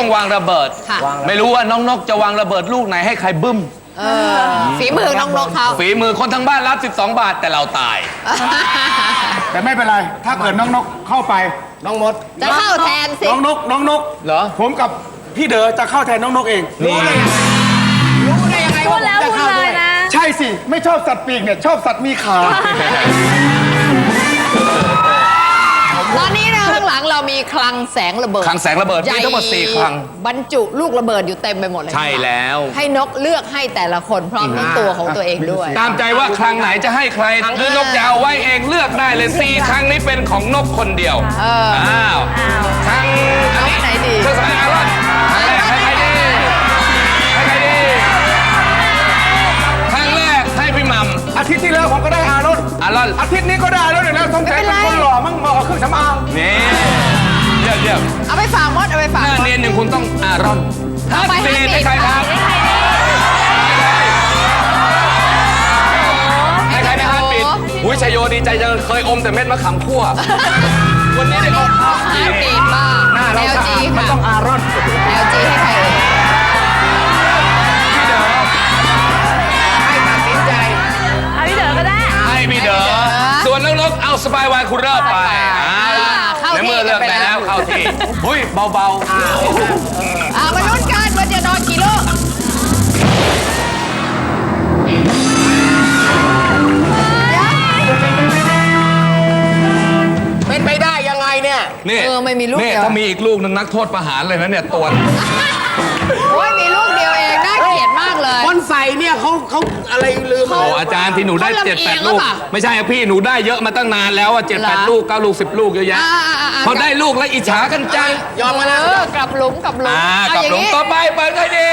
วางระเบิดไม่รู้ว่าน้องนกจะวางระเบิดลูกไหนให้ใครบึ้มฝีมือน้องนกเขาฝีมือคนทั้งบ้านรับ12 บาทแต่เราตายแต่ไม่เป็นไรถ้าเกิดน้องนกเข้าไปน้องมดจะเข้าแทนสิน้องนกเหรอผมกับพี่เด๋อจะเข้าแทนน้องนกเองรู้ได้ยังไงว่าผมจะเข้าด้วยใช่สิไม่ชอบสัตว์ปีกเนี่ยชอบสัตว์มีขาตอนนี้นะข้างหลังเรามีคลังแสงระเบิดคลังแสงระเบิดมีทั้งหมด4 คลังบรรจุลูกระเบิดอยู่เต็มไปหมดเลยใช่แล้วให้นกเลือกให้แต่ละคนพร้อมทั้งตัวของตัวเองด้วยตามใจว่าคลังไหนจะให้ใครหรือนกจะเอาไว้เองเลือกได้เลย4 คลังนี้เป็นของนกคนเดียวอ้าวคลังอันนี้ไหนดีเครื่องสำอางอารอนให้ใครดีให้ใครดีครั้งแรกให้พี่มัมอาทิตย์ที่แล้วผมก็ได้อารอนอาทิตย์นี้ก็ได้แล้วเดี๋ยวต้องใช้เป็นคนหล่อมั่งมาเอาเครื่องสำอางนี่เดี๋ยวเอาไปฝากมดเอาไปฝากหน้าเนียนอย่างคุณต้องอารอนเอาไปให้ใครครับให้ใครนะฮะปิดอุ้ยชัยโยดีใจจังเคยอมแต่เม็ดมะขามคั่ววันนี้ได้อมข้าวปีกบ้า LG ค่ะต้องอารอน LG ให้ใครพี่เด๋อให้ตัดสินใจเอาพี่เด๋อก็ได้ให้พี่เด๋อส่วนน้องๆเอาสบายวายคุณเริ่มไปในเมื่อเลือกไปแล้วเข้าที่หุ้ยเบามาลุ้นกันว่าจะนอนกี่ลูกเป็นไปได้ยังไงเนี่ยนี่ไม่มีลูกเดียวถ้ามีอีกลูกนึงนักโทษประหารเลยนะเนี่ยตัวโอ้ยมีลูกเดียวเองน่าเกลียดมากเลยคนใส่เนี่ยเขาอะไรลืมโอ้อาจารย์ที่หนูได้7-8 ลูกไม่ใช่พี่หนูได้เยอะมาตั้งนานแล้ว7-8 ลูก9 ลูก10 ลูกเยอะแยะพอได้ลูกแล้วอิจฉากันจังยอมมาแล้วกลับหลุมกลับหลุมต่อไปเปิดใครดี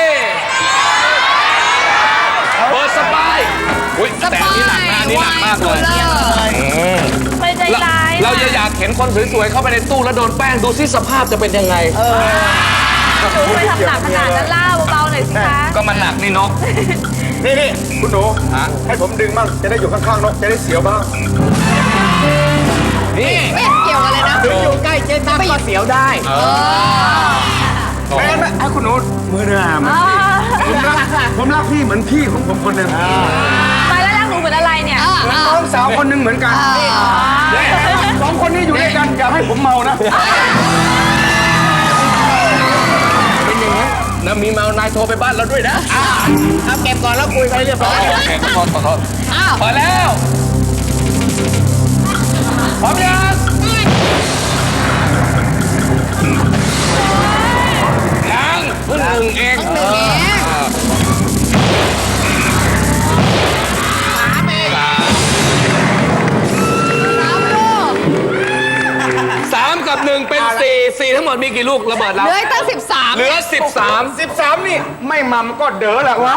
เปิดสบายอุ้ยแต่อันนี้หนักนะอันนี้หนักมากเลยไม่ใจร้ายเราอยากเห็นคนสวยๆเข้าไปในตู้แล้วโดนแป้งดูซิสภาพจะเป็นยังไงหนูไปทำหนักขนาดนั้นล่าเบาๆหน่อยสิคะก็มันหนักนี่นกนี่คุณหนูให้ผมดึงบ้างจะได้อยู่ข้างๆนกจะได้เสียวบ้างนี่ไม่เกี่ยวกันเลยนะอยู่ใกล้เจ๊ตั้มก็เสียวได้แม่ให้คุณหนูมือหน้าผมรักพี่เหมือนพี่ของผมคนหนึ่งไปแล้วรักหนูเหมือนอะไรเนี่ยน้องสาวคนหนึ่งเหมือนกัน2 คนนี้อยู่ด้วยกันอย่าให้ผมเมานะเป็นอย่างนั้นนะมีเมานายโทรไปบ้านเราด้วยนะเอาเก็บก่อนแล้วคุยไปเรียบร้อยโอเคขอโทษพอแล้วพร้อมยังเพิ่ง1 เอง3 กับ 1เป็น4ทั้งหมดมีกี่ลูกระเบิดแล้วเหลือตั้ง13 เหลือ13 นี่ไม่มัมก็เด๋อแหละวะ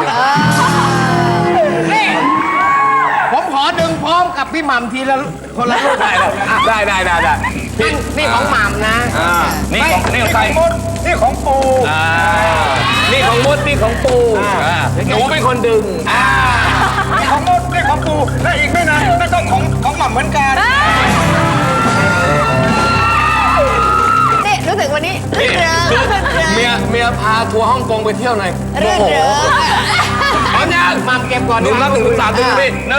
นี่ผมขอดึงพร้อมกับพี่มัมทีละคนละลูกได้นี่ของมัมนะนี่ของใครนี่ของปูนี่ของมดนี่ของปูหนูเป็นคนดึงนี่ของมดนี่ของปูและอีกไม่นานนั่นก็ของมัมเหมือนกันนี่รู้สึกวันนี้เมียพาทัวร์ฮ่องกงไปเที่ยวหน่อยโอ้โหพร้อมยังมัมเก็บก่อนหนูนับ1 ถึง 3ดูพี่1 2 3 1 2 3 1 2 3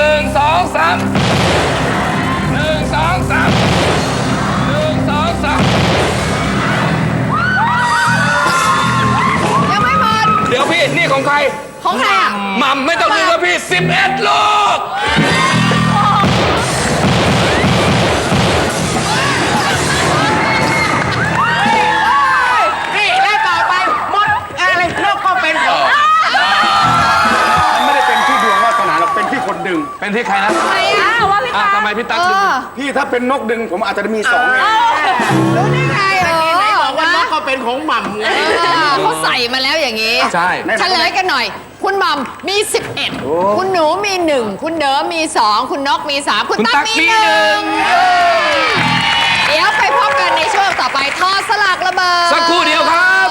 ยังไม่หมดเดี๋ยวพี่นี่ของใครของใครอ่ะมัมไม่ต้องลืมว่าพี่11 ลูกนี่และต่อไปมดอะไรนกก็เป็นมันไม่ได้เป็นที่ดวงวาสนาหรอกเป็นที่คนดึงเป็นที่ใครนะว่าพี่ทำไมพี่ตั๊กดึงพี่ถ้าเป็นนกดึงผมอาจจะมี2ไงรู้ได้ไงไหนบอกว่านกก็เป็นของหม่ำไงเขาใส่มาแล้วอย่างนี้ใช่เฉลยกันหน่อยคุณหม่ำมี11คุณหนูมี1คุณเด๋อมี2คุณนกมี3คุณตั๊กมี1เดี๋ยวไปพบกันในช่วงต่อไปทอสลักระเบิดสักครู่เดียวครับ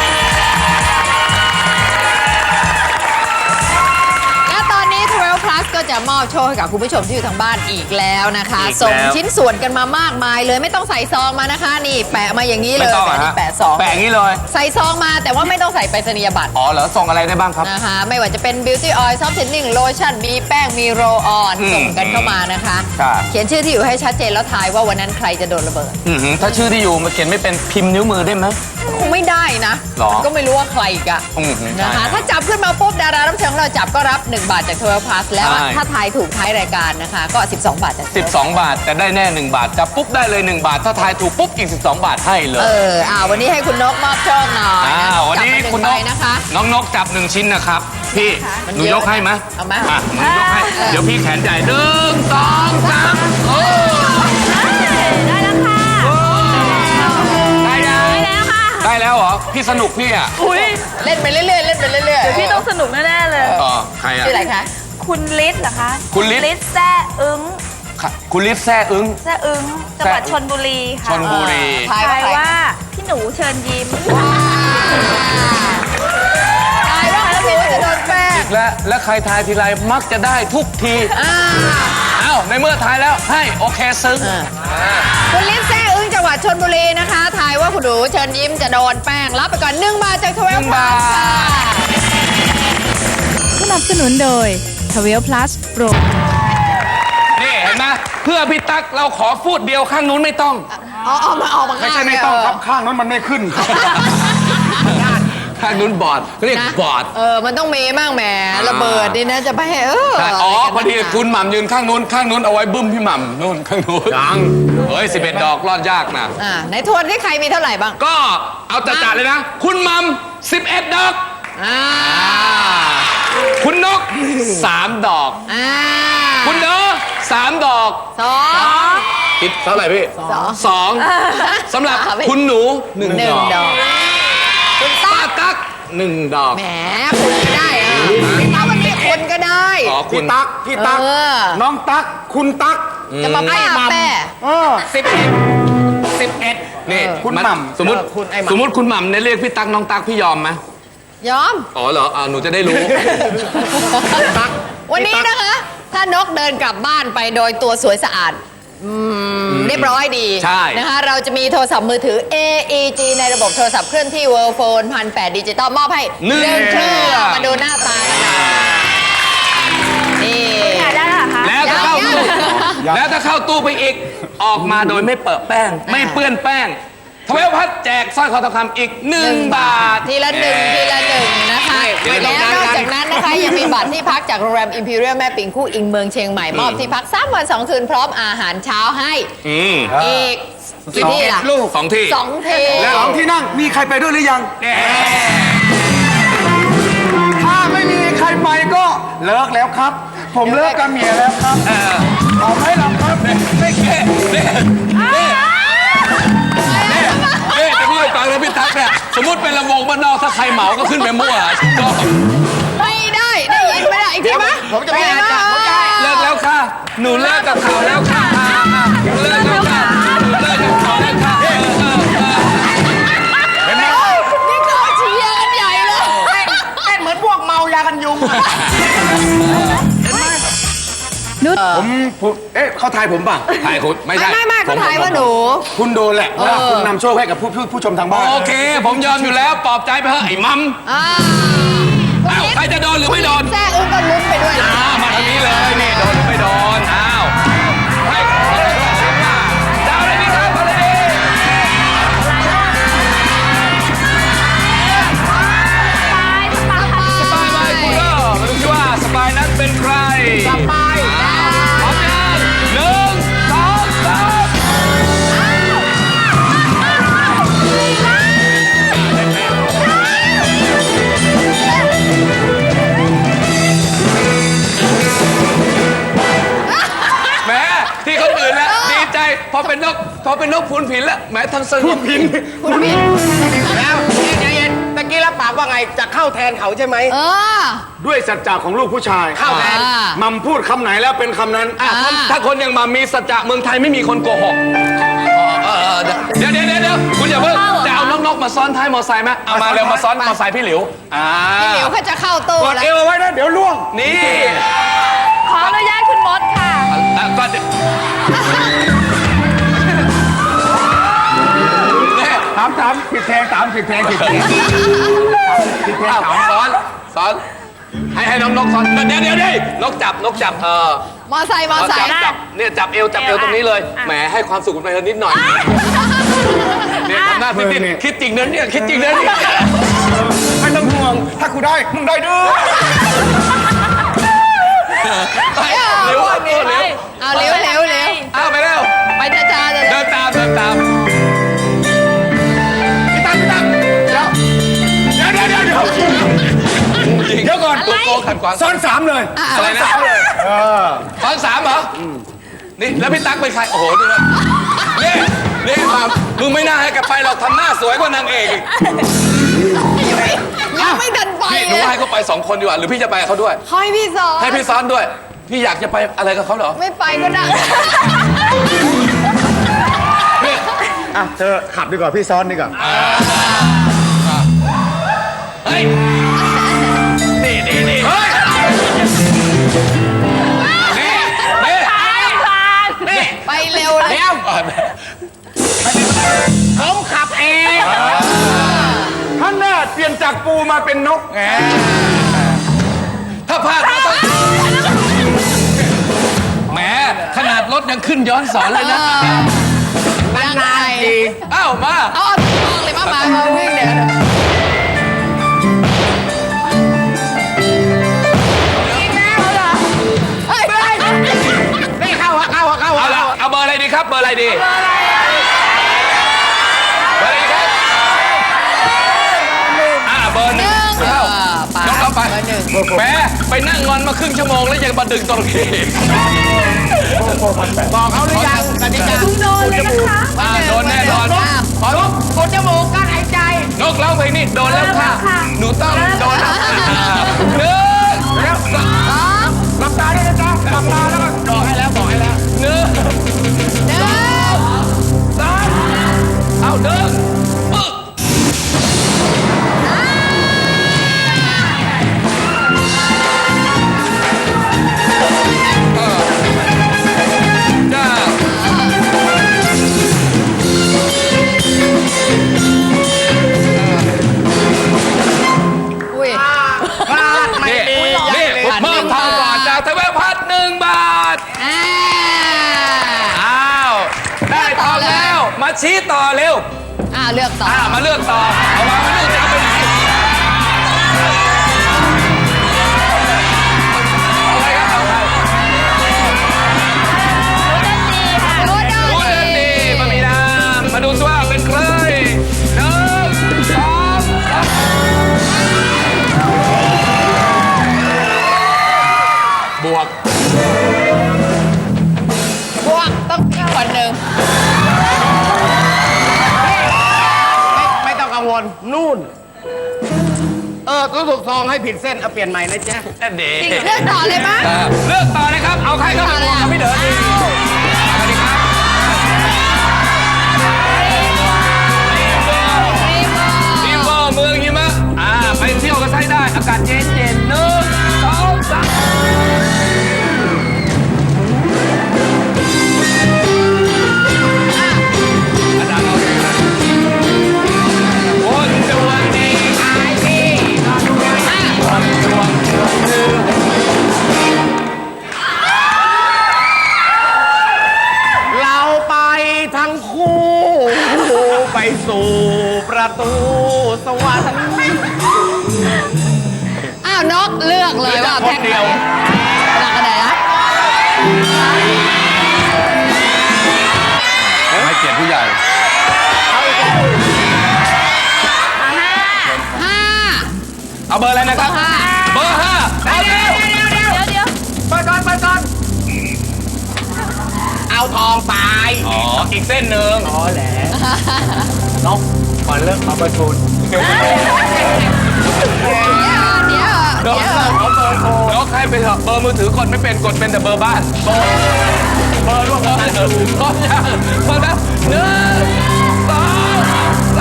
และตอนนี้12 plus ก็จะมอบโชคให้กับคุณผู้ชมที่อยู่ทางบ้านอีกแล้วนะคะอีกแล้วส่งชิ้นส่วนกันมามากมายเลยไม่ต้องใส่ซองมานะคะ นี่แปะมาอย่างนี้เลไม่ยต้องอะนี่ฮะแปะซองแปะอย่างนี้เลยใส่ซองมาแต่ว่าไม่ต้องใส่ไปรษณียบัตรอ๋อเหรอส่งอะไรได้บ้างครับนะคะไม่ว่าจะเป็น beauty oil soft tanning lotion มีแป้งมีโรลออนอืมส่งกันเข้ามานะคะครับเขียนชื่อที่อยู่ให้ชัดเจนแล้วทายว่าวันนั้นใครจะโดนระเบิดถ้าชื่อที่อยู่มาเขียนไม่เป็นพิมพ์นิ้วมือได้ไหมคงไม่ได้นะหรอมันก็ไม่รู้ว่าใครอีกอะ นะคะ ถ้าจับขึ้นมาปุ๊บดารารับเชิญของเราจับก็รับ 1 บาทจาก 12 plus แล้วใช่ถ้าทายถูกท้ายรายการนะคะ ก็ 12 บาทจาก 12 บาทแต่ได้แน่ 1 บาทจับปุ๊บได้เลย 1 บาท ถ้าทายถูกปุ๊บอีก 12 บาทให้เลยวันนี้ให้คุณนกมอบโชคหน่อยะวันนี้จับมาคุณนใบกนะคะน้องนกจับ 1 ชิ้นนะครับ พี่มันหนูเยอะยกให้ไหมเอามาหนูยกให้ เดี๋ยวพี่แขนใหญ่1 2 3โอ้ได้แล้วค่ะได้ยังได้แล้วค่ะได้แล้วเหรอ พี่สนุกพี่อ่ะอุ้ยเล่นไปเรื่อยๆเล่นไปเรื่อยๆพี่ต้องสนุกแน่ๆเลยใครอ่ะชื่ออะไรคะคุณลิศเหรอคะคุณฤทธิ์ฤทธิ์แซ่อึ้งคุณลิศแซ่อึ้งแซ่อึ้งจังหวัดชลบุรีค่ะชลบุรีทายทายว่าว่าพี่หนูเชิญยิ้มทายว่าหนูจะโดนแป้งและใครทายทีไรมักจะได้ทุกทีอ่าอ้าวในเมื่อทายแล้วให้โอเคซึ้งคุณลิศแซ่อึ้งจังหวัดชลบุรีนะคะทายว่าคุณหนูเชิญยิ้มจะโดนแป้งรับไปก่อน1 บาทจาก 12 1 บา plus ทค่ะสนับสนุนโดย 12 plus Pro นี่เห็นไหมเพื่อพี่ตั๊กเราขอฟูดเดียวข้างนู้นไม่ต้องออกมาไม่ใช่ไม่ต้องครับข้างนั้นมันไม่ขึ้นครับข้างนู้นบอดเรียกนะบอดมันต้องมีมั่งแหมระเบิดนี่นะจะไปให้ใช่อ๋ออะไรกันพอดีนักหนาคุณหม่ำยืนข้างนู้นเอาไว้บึ้มพี่หม่ำนู่นข้างนู้นยังเฮ้ย11 ดอกรอดยากนะในทวนที่ใครมีเท่าไหร่บ้างก็เอาจัดๆเลยนะ คุณหม่ำ11 ดอกอ่าคุณนก 3 ดอกอ่าคุณเนอ3 ดอกสองคิดเท่าไหร่พี่สอง 2สำหรับสามคุณหนูหนึ่ง 1 ดดออก กคุณป้าตั๊กตั๊ก1 ดอกแหมคุณก็ได้คุณตั๊กวันนี้คุณก็ได้อ๋อคุพี่ณตั๊กพี่ตั๊กเออน้องตั๊กคุณตั๊กจะมาป้าแป้ 11นี่คุณหม่ำสมมติคุณหม่ำเนี่ยเรียกพี่ตั๊กน้องตั๊กพี่ยอมไหมยอมอ๋อเหรอหนูจะได้รู้วันนี้นะคะ ถ้านกเดินกลับบ้านไปโดยตัวสวยสะอาดเรียบร้อยดีใช่นะคะเราจะมีโทรศัพท์มือถือ AEG ในระบบโทรศัพท์เคลื่อนที่ World Phone 1,800 ดิจิตอลมอบให้ 1 เครื่องมาดูหน้าตากันหน่อยนี่อยากได้เหรอคะแล้วถ้าเข้าตู้แล้วถ้าเข้าตู้ไปอีก ออกมาโดยไม่เปิดแป้ง ไม่เปื้อนแป้งทวีพัฒน์แจกสร้อยคอทองคำอีก 1 บาททีละหนึ่งนะคะไม่ต้แล้องวนอกการจากนั้นนะคะ ยังมีบัตรที่พักจากโรงแรม Imperial แม่ปิงคู่อิงเมืองเชียงใหม่มอบที่พัก3 วัน 2 คืนพร้อมอาหารเช้าให้อีกกี่ที่ล่ะลูก 2 ที่ 2 ที่แล้วของที่นั่งมีใครไปด้วยหรือยัง ถ้าไม่มีใครไปก็เลิกแล้วครับ ผมเลิกกับเมียแล้วครับเอาไหมล่ะครับไม่เก้นี่จะพูดให้ฟังนะพี่ตั๊กเนี่ยสมมติเป็นลำวงบ้านนอกถ้าใครเหมาก็ขึ้นไปมั่วก็ไม่ได้ยินไม่ได้อีกทีไหมผมจะไม่อ่านจ้ะผมจะเลิกแล้วค่ะ หนูเลิกกับเขาแล้วค่ะหนูเลิกแล้วค่ะหนูเลิกกับเขาแล้วค่ะเห็นไหมนี่ก็เชียร์กันใหญ่เลยเต้นเหมือนพวกเมายากันยุงอะผมเขาทายผมป่ะถ่ายคุณไม่ใช่ไม่เขาถ่ายว่าหนูคุณโดนแหละเพราะว่าคุณนำโชคให้กับผู้ชมทางบ้านโอเค ผมยอมอยู่แล้วปลอบใจไปเถอะไอ้มัมอ่าอ้าวใครจะโดนหรือไม่โดนแซ่อึ้งก็ลุ้นไปด้วยนะมาทางนี้เลยนี่โดนหรือไม่โดนอ้าวให้ดาวเลยพี่ครับมาเลยสปายมาคุณก็มาดูสิว่าสปายนั้นเป็นใครสปายพร้อมยัง1 2 3แหมที่คนอื่นแล้วดีใจพอเป็นนกพูนผินแล้วแหมทั้งสนุกผินแล้วใจเย็นตะกี้รับปากว่าไงจะเข้าแทนเขาใช่ไหม ด้วยสัจจะของลูกผู้ชายเข้าแทนมัมพูดคำไหนแล้วเป็นคำนั้นถ้าคนอย่างมามีสัจจะเมืองไทยไม่มีคนโกหกเดี๋ยวคุณอย่าเพิ่งจะเอานกมาซ้อนท้ายมอไซค์ไหมเอามาเร็วมาซ้อนมอไซค์พี่หลิวพี่หลิวเขาจะเข้าตู้กดแล้วเอวเอาไว้นะเดี๋ยวล่วงนี่ของบัตรเนี่ยถามผิดแทงผิดแทงอ้าวสอนให้น้องนกสอนเดี๋ยวนกจับมอไซค์จับเนี่ยจับเอวตรงนี้เลยแหมให้ความสุขมันไปนิดหน่อยเนี่ยทำหน้าติดคิดจริงนะเนี่ยคิดจริงนะเนี่ยไม่ต้องห่วงถ้ากูได้มึงได้ด้วยเร็วเอาเร็วเอาไปเร็วไปช้าๆเดินตามพี่ตั้มเดี๋ยวก่อนตัวโกขัดขวางซ้อนสามเลยอะไรนะตอน3เหรอนี่แล้วพี่ตั๊กเป็นใครโอ้โหดูนะนี่ความมึงไม่น่าให้แกไปหรอกทำหน้าสวยกว่านางเอกอีกยังไม่ทันไปพี่หนูให้เขาไป2 คนดีกว่าหรือพี่จะไปกับเขาด้วยให้พี่สอนให้พี่ซ้อนด้วย พี่อยากจะไปอะไรกับเขาเหรอไม่ไปก็ได้อ่ะเธอขับดีกว่าพี่ซ้อนดีกว่าเฮ้ยนี่เฮ้ยนี่ไปเร็วเลยผมขับเองท่านแน่เปลี่ยนจากปูมาเป็นนกไงถ้าพลาดก็ต้องแหมขนาดรถยังขึ้นย้อนสอนเลยนะนานๆทีอ้าวมาเอาทองเลยมาวิ่งเดี๋ยวเฮ้ยนี่เข้าเอาละเอาเบอร์อะไรดีครับเบอร์อะไรดีเบอร์อะไรดีครับเบอร์ 1เข้าน้องเอาไปแหมไปนั่งงอนมาครึ่งชั่วโมงแล้วยังมาดึงตรงนี้บอกเขาหรือยังกติกาโดนเลยนะคะโดนแน่นอนขอลุกกดจมูกกั้นหายใจนกร้องเพลงนี้โดนแล้วค่ะหนูต้องโดนแล้วค่ะ1 2 หลับตาด้วยนะจ๊ะหลับตาแล้วก็บอกให้แล้ว1 2 3เอาเดินปึ๊กจ้าอุ้ยพลาดไม่ดีนี่มอบทองก่อนจากทเวพัฒน์1 บาท อ้าว ได้ทองแล้ว มาชี้ต่อเร็วเลือกต่อมาเลือกต่อ เอามาเลือกจะเอาไปไหนเอาไปครับเอาไปรู้ได้รู้เรื่องดีมามีนามาดูซิว่าเป็นใคร1 2 3บวกพวกต้องคนหนึ่งไม่ต้องกังวลนู่นรู้สึกซองให้ผิดเส้นเอาเปลี่ยนใหม่นะจ๊ะนั่นดีเลือกต่อเลยมั้ยเลือกต่อเลยครับ เอาใครเข้าไปบวกกับพี่เด๋อดีสวัสดีครับรีเวอร์เมืองหิมะไปเที่ยวกันใช้ได้ อากาศเย็นๆ1 2 3คนดวงดีขายดีคนดวงเราไปทั้งคู่ไปสู่ประตูสวรรค์นกเลือกเลยว่าแพ็คเดียวหลักอะไรนะให้เกียรติผู้ใหญ่ 5 เอาเบอร์อะไรนะครับ เบอร์ 5เอาเร็วเดี๋ยวเปิดก่อนเอาทองไปอ๋อ อีกเส้นหนึ่งแหละนกก่อนเริ่มเอาประชุนเดี๋ยวนกให้ไปเถอะเบอร์มือถือกดไม่เป็นกดเป็นแต่เบอร์บ้าน เบอร์ร่วมกันพร้อมยังพร้อมแล้ว1 2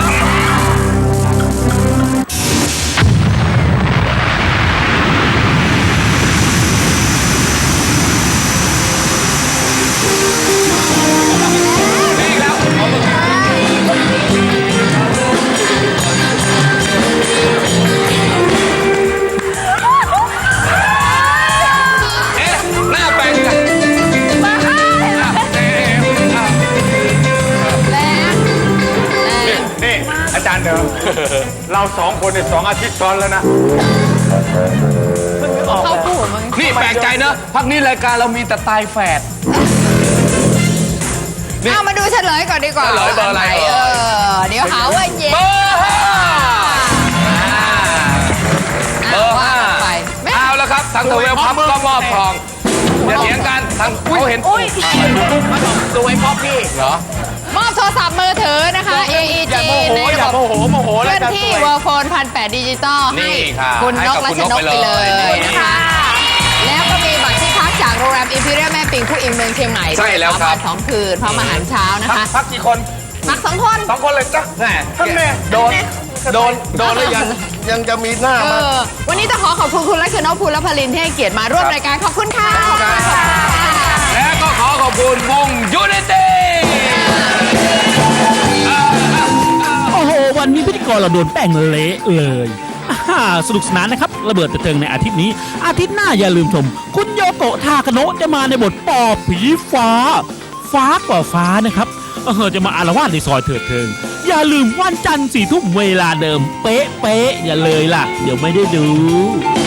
3 เหรอเราสองคนเนี่ย2 อาทิตย์ซ้อนแล้วนะเข้าคู่มึงนี่แปลกใจเนอะพักนี้รายการเรามีแต่ตายแฝดเอามาดูเฉลยก่อนดีกว่าเฉลยเบอร์อะไรเดี๋ยวหาว่าเย็นเบอร์ห้าเบอร์ห้าไปเอาแล้วครับทางทเวลพับก็มอบทองอย่าเถียงกันทางเขาเห็นอุ้ยสวยพ่อพี่เหรอมอบโทรศัพท์มือถือนะคะ AEG ในระอย่าบบโมโหโมโหเคแล้วลื่อนจะที่สวยเวอร์โฟน1,800ดิจิตอลนี่ให้ค่ะคุณให้นกับกและคุณชนกนกไปไปเลเลย ยนะคะ แล้วก็มีบัตรที่พักจากโรงแรมอิมพีเรียลแม่ปิงผู้อิงเมืองเชียงใหม่ใช่แล้วครับ 2 คืนพร้อมอาหารเช้านะคะพักกี่คนพัก2 คน 2 คนเลยจ้ะแม่ท่านแม่โดนหรือยังจะมีหน้ามาวันนี้ต้องขอบคุณคุณลักษณะภูลพลินที่ให้เกียรติมาร่วมรายการขอบคุณค่ะและก็ขอขอบคุณวงยูนิตี้โอ้โห วันนี้พิธีกรเราโดนแป้งเละเลยสนุกสนานนะครับ ระเบิดเถิงในอาทิตย์นี้ อาทิตย์หน้าอย่าลืมชม คุณโยโกะทาคาโนะจะมาในบทปอบผีฟ้า ฟ้ากว่าฟ้านะครับจะมาอารวาสในซอยเถิดเทิง อย่าลืมวันจันทร์4 ทุ่มเวลาเดิม เป๊ะอย่าเลยล่ะ เดี๋ยวไม่ได้ดู